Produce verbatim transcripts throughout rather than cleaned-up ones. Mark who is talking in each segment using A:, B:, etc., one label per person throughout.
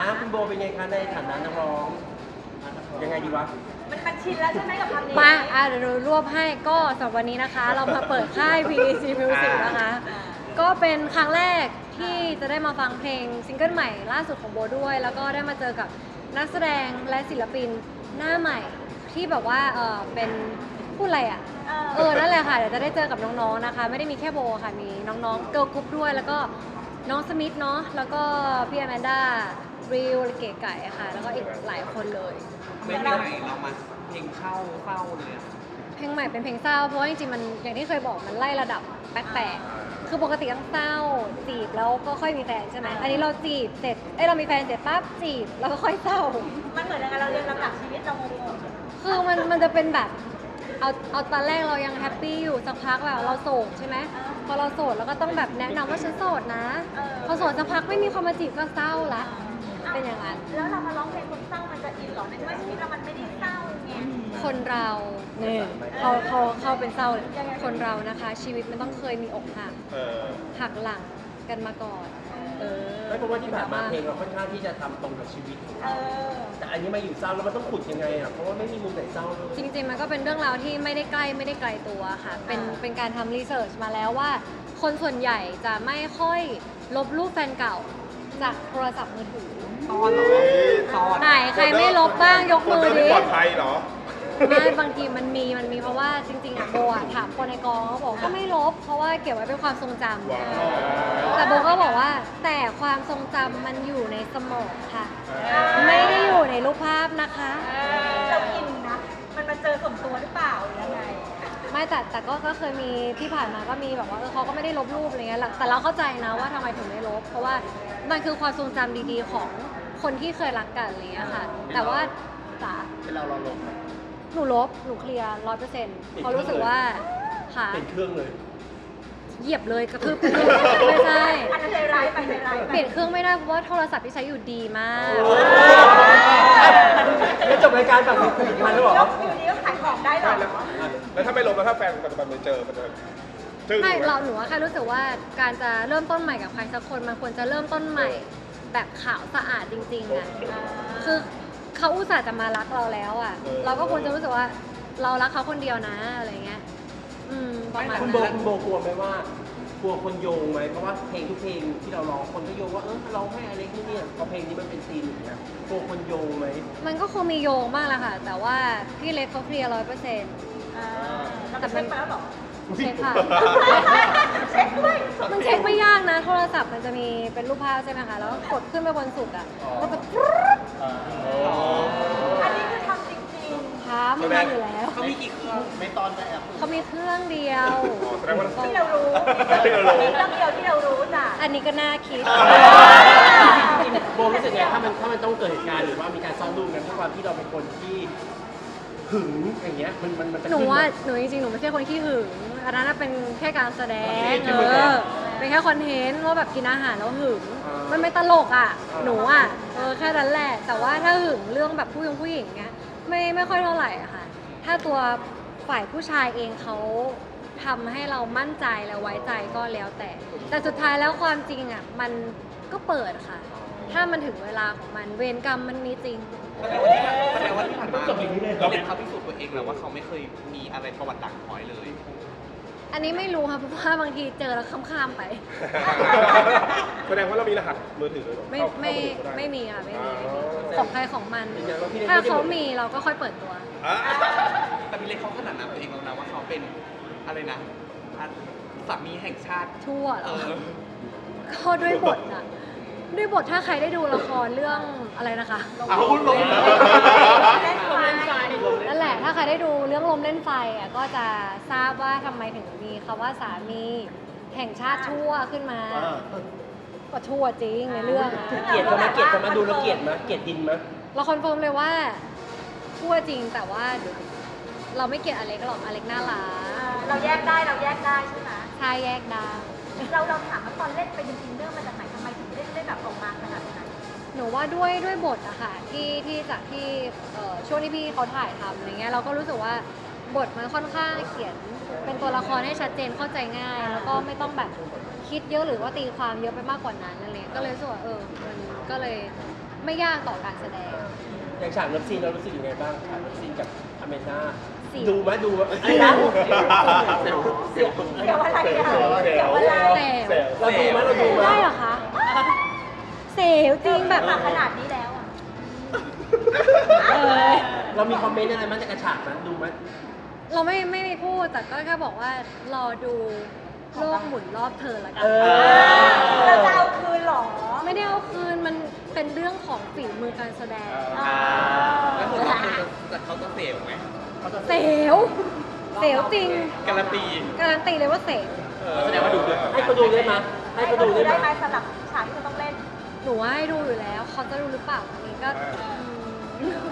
A: ะคุณโบเป็นไงคะในฐานะนักร้องยังไงดีวะ
B: มันมันชินแล้วใช่ไหมกับคำนี้
C: มาอ่ะเดี๋ยวเรารวบให้ก็สำหรับวันนี้นะคะ เรามาเปิดค่าย พี อี ซี Music นะคะ ก็เป็นครั้งแรกที่จะได้มาฟังเพลงซิงเกิลใหม่ล่าสุดของโบด้วย แล้วก็ได้มาเจอกับนักแสดงและศิลปินหน้าใหม่ที่แบบว่าเออเป็นพูดอะไรอ่ะเออนั่นแหละค่ะเดี๋ยวจะได้เจอกับน้องๆนะคะไม่ได้มีแค่โบค่ะมีน้องๆเกิร์ลกรุ๊ปด้วยแล้วก็น้องสมิธเนาะแล้วก็พี่แอมแมนด้าริวเก๋ไก่ค่ะแล้วก็อีกหลายคนเลย
D: เพลงใหม่เรามาเพลงเช่าเศร้าเลยอะ
C: เพลงใหม่เป็นเพลงเศร้าเพราะว่าจริงๆมันอย่างที่เคยบอกมันไล่ระดับแปลกๆคือปกติต้องเศร้าจีบแล้วก็ค่อยมีแฟนใช่ไหมอันนี้เราจีบเสร็จเอ้ยเรามีแฟนเสร็จปั๊บจีบแล้วก็ค่อยเศร้า
B: มันเหมือนยังไงเราเรียนลำดับชีวิตเรางง
C: ๆคือมันมันจะเป็นแบบเอาเอาตอนแรกเรายังแฮปปี้อยู่สักพักแบบเราโสดใช่ไหมพอเราโสดเราก็ต้องแบบแนะนำว่าฉันโสดนะพอโสดสักพักไม่มีคนมาจีบก็เศร้าละเป็นอย่างนั้น
B: แล้วเรามาร้องเพลงคนเศร้ามันจะอินหรอในเมื่อชีวิตเรามันไม่ได้เศร้าไง
C: คนเราเนี่ยเขาเขาเขาเป็นเศร้าเลยคนเรานะคะชีวิตมันต้องเคยมีอกหักหักหลังกันมาก่อนเออ
A: ไม่เพราะว่าที่ผ่านมาเพลงเราค่อนข้างที่จะทำตรงกับชีวิตของเราแต่อันนี้มาอยู่เศร้าแล้วมันต้องขุดยังไงอ่ะเพราะว่าไม่มีมุมไหนเศร้าเลย
C: จริงๆมันก็เป็นเรื่องราวที่ไม่ได้ใกล้ไม่ได้ไกลตัวค่ะเป็นเป็นการทำรีเสิร์ชมาแล้วว่าคนส่วนใหญ่จะไม่ค่อยลบรูปแฟนเก่าจากโทรศัพท์มือถือ
D: ตอนเหรอตอน
C: ไหนใครไม่ลบบ้างยกมือดิ
E: ปลอดภัยเหรอ
C: ไม่บางทีมันมีมันมีเพราะว่าจริงๆอะโบอะถามคนในกองเขาบอกก็ไม่ลบเพราะว่าเก็บไว้เป็นความทรงจำแต่โบก็บอกว่าแต่ความทรงจำมันอยู่ในสมองค่ะไม่ได้อยู่ในรูปภาพนะคะ
B: เราอินนะมันมาเจอสมตัวหรือเปล่าหรือยังไง
C: ไม่แต่แต่ก็ก็เคยมีที่ผ่านมาก็มีแบบว่าเออเขาก็ไม่ได้ลบรูปอะไรเงี้ยแต่เราเข้าใจนะว่าทำไมถึงไม่ลบเพราะว่ามันคือความทรงจำดีๆของคนที่เคยรักกันอะไรเงี้ยค่ะแต่ว่าจ๋า
A: เป็นเราเราลง
C: หนูลบหนูเคลียร์ร้อยเปอร์เซ็นต์เพราะรู้สึกว่าค่ะ
A: เป็นเครื่องเลย
C: เหยียบเลยกระทืบไม่ใช่
B: อันนั้นใจร้ายไปใจร้าย
C: เปลี่ยนเครื่องไม่ได้เพราะว่าโทรศัพท์ที่ใช้อยู่ดีมาก
A: แล้วจบรายการแบบนี้ผลิตภัณฑ์แล้วหรอ
B: อยู่ดีก็ขายของได้หรอ
E: แล้วถ้าไม่ลบแล้วถ้าแฟนปัจจุบันไปเจอมันจะ
C: ไม่เราหนูว่าแค่รู้สึกว่าการจะเริ่มต้นใหม่กับใครสักคนมันควรจะเริ่มต้นใหม่แบบขาวสะอาดจริงๆอ่ะคือเขาอุตส่าห์จะมารักเราแล้วอ่ะเราก็ควรจะรู้สึกว่าเรารักเขาคนเดียวนะอะไรเงี้ยอืมประมาณ
A: คุณโบคุณโบกลัวไหมว่ากลัวคนโยงไหมเพราะว่าเพลงทุกเพลงที่เราร้องคนก็โยงว่าเออเราให้อะไรนี่เนี่ยพอเพลงนี้มันเป็นซีนอย่างเงี้ยกลัวคนโยงไหม
C: มันก็คงมีโยงบ้างแหละค่ะแต่ว่าพี่เล็กเขาเคลียร์ร้อยเปอร์เซ็นต์
B: แต่มันไปแล้วหรอ
C: เช็คค่ะ
B: เช็คด้วย
C: มันเช็คไม่ยากนะโทรศัพท์มันจะมีเป็นรูปภาพใช่ไหมคะแล้วกดขึ้นไปบนสุดอ่ะก็จะ
B: อันนี้คือทำจริง
C: ๆทำมันอยู่แล้ว
D: เขามีกี่เครื่องไม่ตอนไปแอป
C: เขามีเครื่องเดียว
B: ที่เรารู้มีเครื่องเดียวที่เรารู้จ้ะ
C: อันนี้ก็น่าคิด
A: โบรู้สึกไงถ้ามันถ้ามันต้องเกิดเหตุการณ์หรือว่ามีการซ้อมดูกันด้วยความที่เราเป็นคนที่หึงอย่างเงี้ยมันมันมันจะ
C: หนูว่าหนูจริงๆหนูไม่ใช่คนขี้หึงอันนั้นเป็นแค่การแสดงเออเป็นแค่คอนเทนต์ว่าแบบกินอาหารแล้วหึงมันไม่ตลกอ่ะหนูอ่ะเออแค่นั้นแหละแต่ว่าถ้าหึงเรื่องแบบผู้หญิงผู้หญิงเงี้ยไม่ไม่ค่อยเท่าไหร่อะค่ะถ้าตัวฝ่ายผู้ชายเองเขาทำให้เรามั่นใจและไว้ใจก็แล้วแต่แต่สุดท้ายแล้วความจริงอ่ะมันก็เปิดค่ะถ้ามันถึงเวลาของมันเวรกรรมมันมีจริง
D: แสดงว่าที่ผ่านมาเราเป็นเขาพิสูจน์ตัวเองแล้วว่าเขาไม่เคยมีอะไรประวัติด่างพร้อยเลย
C: อันนี้ไม่รู้ค่ะเพราะว่าบางทีเจอแล้วข้ามๆไป
E: แสดงว่าเรามีรหัสมือถือเลย
C: ไม่ไม่ไม่มีค่ะไม่มีของใครของมันถ้าเขามีเราก็ค่อยเปิดตัว
D: แต่พี่เล็กเขาขนาดนั้นตัวเองแล้วนะว่าเขาเป็นอะไรนะสามีแห่งชาติ
C: ชั่วเหรอก็ด้วยบทอะด้วยบทถ้าใครได้ดูละครเรื่องอะไรนะคะ
D: เอาลง
C: นั่นแหละถ้าใครได้ดูเรื่องลมเล่นไฟอ่ะก็จะทราบว่าทำไมถึงมีคำว่าสามีแห่งชาติชั่วขึ้นมาก็ชั่วจริงในเรื่อง
A: เกลียดกันไหมเกลียดกันไหมดูแล้วเกลียดไหมเกลียดดินไหม
C: เราคอนเฟิร์มเลยว่าชั่วจริงแต่ว่าเราไม่เกลียดอเล็กหรอกอเล็กน่ารัก
B: เราแยกได้เราแยกได้ใช่ไหม
C: ใช่แยกได้
B: เราเราถามว่าตอนเล่นไปจริงๆเรื่องมาจากไหนทำไมถึงเล่นเล่นแบบออกมาขนาดนั้น
C: หนูว่าด้วยด้วยบทอะค่ะที่ที่จากที่ช่วงที่พี่เขาถ่ายทำอะไรเงี้ยเราก็รู้สึกว่าบทมันค่อนข้างเขียนเป็นตัวละครให้ชัดเจนเข้าใจง่ายแล้วก็ไม่ต้องแบบคิดเยอะหรือว่าตีความเยอะไปมากกว่านั้นอะไรก็เลยรู้สึกว่าเออมันก็เลยไม่ยากต่อการแสดง
A: อย่างฉากเลิฟซีนเรารู้สึกยังไงบ้างฉากเลิฟซีนกับอเมน่า
C: เสียว
A: ดูไหมดูไหมไอ้นะเสียวเสียว
B: เดี๋ยวอะไรอ่ะ
E: เสียว
B: เดี๋ยวอะไร
C: เสียว
A: เราดูไหมเราดูไหม
C: ได้เหรอคะเสียวจริงแบบ
B: มาขนาดนี้แล้วอ่ะ
C: เออ
A: เรามีคอมเมนต์อะไรมั้ยจากกระฉากนั้นดูไหม
C: เราไม่ไม่มีพูดแต่ก็แค่บอกว่ารอดูโลกหมุนรอบเธอละกั
A: เอน อ
B: เราจะเอาคืนเหรอ
C: ไม่ได้เอาคืนมันเป็นเรื่องของฝีมือการแสดง
B: อ่า
D: แล้วหมดรอบนึงจะเขาจะเสียวไหม
C: เสียวเสียวจริง
D: การันตี
C: การันตีเลยว่าเสียว
A: แสดงว่าดูด้วยให้เขาดูได้ไหมให้เขาดูได้
B: ได้
A: ไห
B: ไห
A: ม
B: มสำหรับฉากที่เขาต้องเล่น
C: หนูว่าให้ดูอยู่แล้ว เขาจะดูหรือเปล่าอันนี้ก็อืม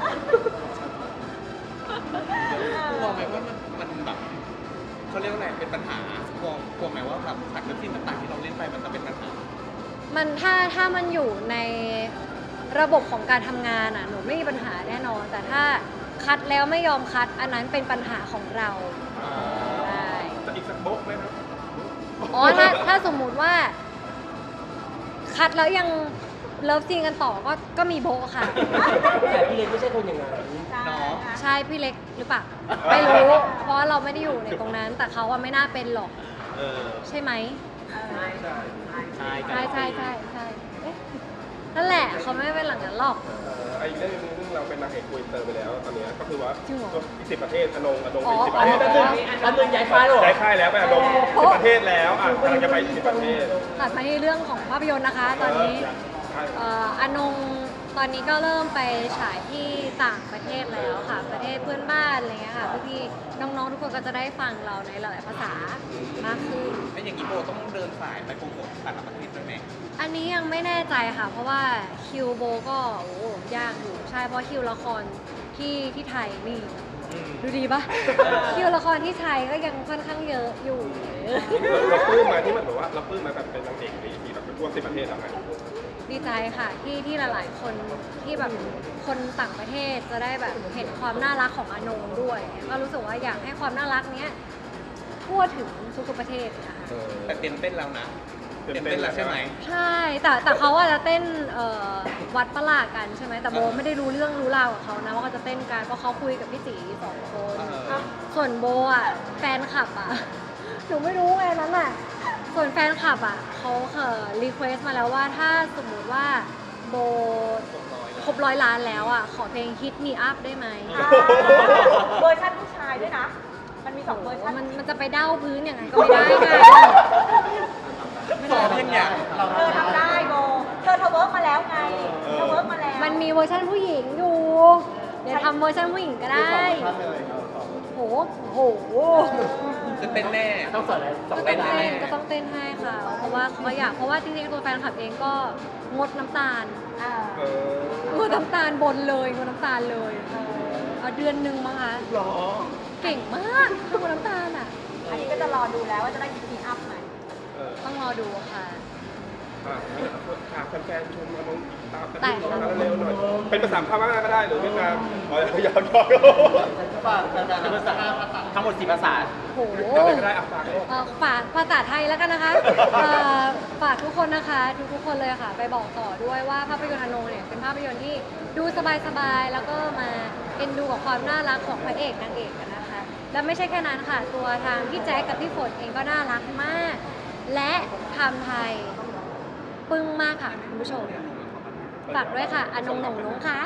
D: กลัวไหมว่ามันมันแบบเขาเรียกว่าอะไรเป็นปัญหากลัวกลัวไหมว่าแบบฉากเลิฟซีนต่างๆที่เราเล่นไปมันจะเป็นปัญหา
C: มันถ้าถ้ามันอยู่ในระบบของการทำงานอ่ะหนูไม่มีปัญหาแน่นอน แต่ถ้าคัดแล้วไม่ยอมคัด อันนั้นเป็นปัญหาของเราใช่
E: จะอีกสักโบ๊กไหมครับ
C: อ๋อถ้าถ้าสมมุติว่า คัดแล้วยังเลิฟซีนกันต่อก็ก็มีโบะค่ะ
A: แต่พี่เล็กไม่ใช่คนอย่างนั้น
D: เนาะ
C: ใช่พี่เล็กหรือเปล่าไม่รู้ เพราะว่าเราไม่ได้อยู่ในตรงนั้น แต่เขาว่าไม่น่าเป็นหรอก
E: เออ
C: ใช่ไหม
D: ใช่
C: ใช่ใช่ใช่ใช่ใช่เอ๊ะนั่นแหละเขาไม่เป็นหลังนั้นหรอก
E: เออไอ้เรื่องนึงซึ่งเราเป็นนางเอกคุยเตอร์ไปแล้วตอนเนี้ยก็คือว่า
C: จริงเหรอ
E: สิบประเทศอนงอนง
C: อ๋
E: เป็
C: อ
E: นสิบประเทศ
A: อั
E: แล้ว
A: นนึงอันนึงย้ายฟ้ายหรอ
E: ย้ายค่ายแล้วไปอนง
C: โอ้
E: สิบประเทศแล้วอ่ะกำลังจะไปสิบประเทศ
C: ตัดมาที่เรื่องของภาพยนตร์นะคะ ตอนนี้
E: ใช่
C: เอ่ออนงตอนนี้ก็เริ่มไปฉายที่ต่างประเทศแล้วค่ะ ประเทศเพื่อนบ้านอะไรเงี้ยค่ะพี่ๆน้องๆทุกคนก็จะได้ฟังเราในหลายๆภาษามากขึ้น
D: แล้วอย่างนี้โบต้องเดินสายไปโปรโมทต่างประเทศด้วยไหม
C: อันนี้ยังไม่แน่ใจค่ะ เพราะว่าคิวโบก็โอ้ยากอยู่ใช่เพราะคิวละครที่ที่ไทยนี่
D: อืม
C: ดูดีปะคิวละครที่ไทยก็ยังค่อนข้างเยอะอยู่
E: เราปลื้มมาที่มันแบบว่าเราปลื้มมาแบบเป็นนางเอกในที่แบบไปทั่วสิบประเทศแล้วไง
C: ดีใจค่ะที่ที่หลายๆคนที่แบบคนต่างประเทศจะได้แบบเห็นความน่ารักของอานงด้วยก็รู้สึกว่าอยากให้ความน่ารักเนี้ยทั่วถึงทุกๆประเทศนะคะ
D: แต่เต้นเต้นแล้วนะเต้นเต้นแล้วใช่ไหม
C: ใช่แต่แต่เขาอาจจะเต้นเอ่อวัดประหลาดกันใช่ไหมแต่โบไม่ได้รู้เรื่องรู้ราวกับเขานะว่าเขาจะเต้นกันเพราะเขาคุยกับพี่จีสองคน
D: เออ
C: ส่วนโบอ่ะแฟนคลับอ่ะ หนูไม่รู้ไงนั้นอ่ะส่วนแฟนคลับอ่ะเขาเคยรีเควสมาแล้วว่าถ้าสมมุติว่าโบ ครบร้อยล้านแล้วอ่ะ ขอเพลง Hit Me Up ได้ไหม
B: อ่าเวอร์ชันผู้ชายด้วยนะ มันมีสองเวอร์ชัน
C: มันมันจะไปเด้าพื้นอย่างนั้นก็ไม่ได้ไง
D: สองเพลงอย่าง
B: เธอทำได้โบ เธอเธอเวิร์กมาแล้วไง เธอเวิร์กมาแล้ว
C: มันมีเวอร์ชันผู้หญิงอยู่ เดี๋ยวทำเวอร์ชันผู้หญิงก็ได้โหโห
D: จะเต้นแน่
A: ต้องสอนอะไรสอ
C: ก็
A: น
C: ต้
A: ได้
C: อง
A: ไหม
C: เต้นก็ต้องเต้นให้ค่ะ เพราะว่าเขาอยาก เพราะว่าจริงๆตัวแฟนคลับเองก็งดน้ำตาล
B: อ่า
E: เออง
C: ดน้ำตาลบนเลยงดน้ำตาลเลยเอาเดือนหนึ่งมั้งคะ
A: หรอ
C: เก่งมากงดน้ำตาลอ่ะ
B: อันนี้ก็จะรอดูแล้วว่าจะได้มีอัพไหม
E: เออ
C: ต้องรอดูค่ะ
E: อ่ะฝากแฟนๆชมอนงตามกัน
C: แต่
E: ที่เราเร็วๆหน่อย เป็นภาษาพม่าก็ได้หรือเวียดนามอ๋อยาวยาว
A: เป็นภาษาทั้งหมดสี่ภาษา
C: โห
E: อะไรก็ได้อ่ะฝากโลก
C: เอ่อฝากภาษาไทยแล้วกันนะคะเอ่อฝากทุกคนนะคะทุกทุกๆคนเลยค่ะ ไปบอกต่อด้วยว่าภาพยนตร์อนงเนี่ยเป็นภาพยนตร์ที่ดูสบายๆ แล้วก็มาเอ็นดูกับความน่ารักของพระเอกนางเอกกันนะคะ และไม่ใช่แค่นั้นค่ะ ตัวทางพี่แจ๊คกับพี่ฝนเองก็น่ารักมาก และทำไทยปึ้งมากค่ะคุณผู้ชม ฝากด้วยค่ะอนงหนงนงค่ะ